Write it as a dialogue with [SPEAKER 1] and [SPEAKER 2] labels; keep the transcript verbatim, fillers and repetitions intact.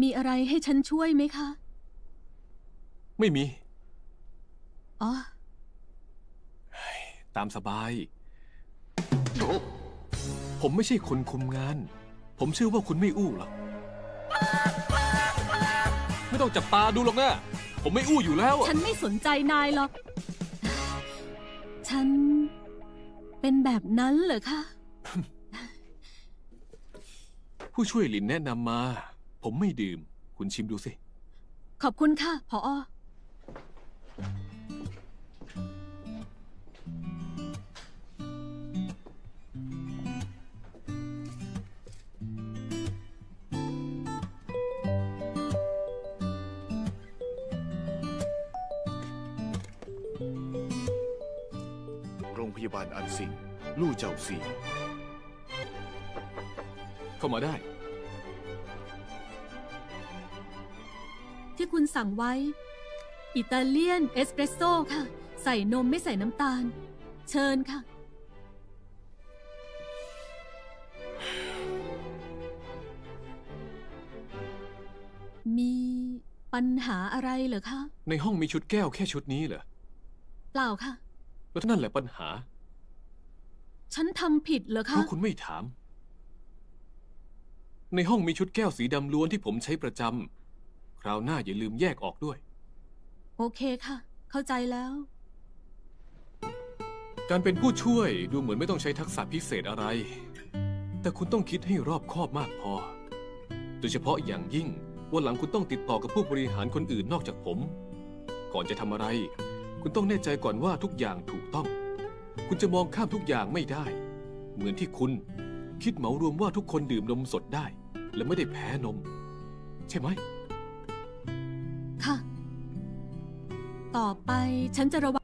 [SPEAKER 1] มีอะไรให้ฉันช่วยไหมคะ
[SPEAKER 2] ไม่มี
[SPEAKER 1] อ๋อ
[SPEAKER 2] ตามสบาย ผมไม่ใช่คนคุมงาน ผมเชื่อว่าคุณไม่อู้หรอก ไม่ต้องจับตาดูหรอกนะ ผมไม่อู้อยู่แล้ว
[SPEAKER 1] ฉันไม่สนใจนายหรอก ฉันเป็นแบบนั้นเหรอคะ
[SPEAKER 2] ผู้ช่วยหลินแนะนำมา ผมไม่ดื่ม คุณชิมดูสิ
[SPEAKER 1] ขอบคุณค่ะผอ.
[SPEAKER 3] โรงพยาบาลอันซิง ลู่เจ้าซี
[SPEAKER 2] เข้ามาได้
[SPEAKER 1] ที่คุณสั่งไว้ อิตาเลียนเอสเปรสโซ่ค่ะ ใส่นมไม่ใส่น้ำตาล เชิญค่ะ มีปัญหาอะไรเหรอคะ
[SPEAKER 2] ในห้องมีชุดแก้วแค่ชุดนี้เหรอ
[SPEAKER 1] เปล่าค่ะ
[SPEAKER 2] แล้วนั่นแหละปัญหา
[SPEAKER 1] ฉันทำผิดเหรอ
[SPEAKER 2] เพ
[SPEAKER 1] คะ
[SPEAKER 2] ราะคุณไม่ถาม ในห้องมีชุดแก้วสีดำล้วนที่ผมใช้ประจำ คราวหน้าอย่าลืมแยกออกด้วย
[SPEAKER 1] โอเคค่ะ เข้าใจแล้ว
[SPEAKER 2] การเป็นผู้ช่วยดูเหมือนไม่ต้องใช้ทักษะพิเศษอะไร แต่คุณต้องคิดให้รอบคอบมากพอ โดยเฉพาะอย่างยิ่งวันหลังคุณต้องติดต่อกับผู้บริหารคนอื่นนอกจากผม ก่อนจะทำอะไร คุณต้องแน่ใจก่อนว่าทุกอย่างถูกต้อง คุณจะมองข้ามทุกอย่างไม่ได้ เหมือนที่คุณคิดเหมารวมว่าทุกคนดื่มนมสดได้ และไม่ได้แพ้นม ใช่ไหม
[SPEAKER 1] ค่ะ ต่อไปฉันจะระวัง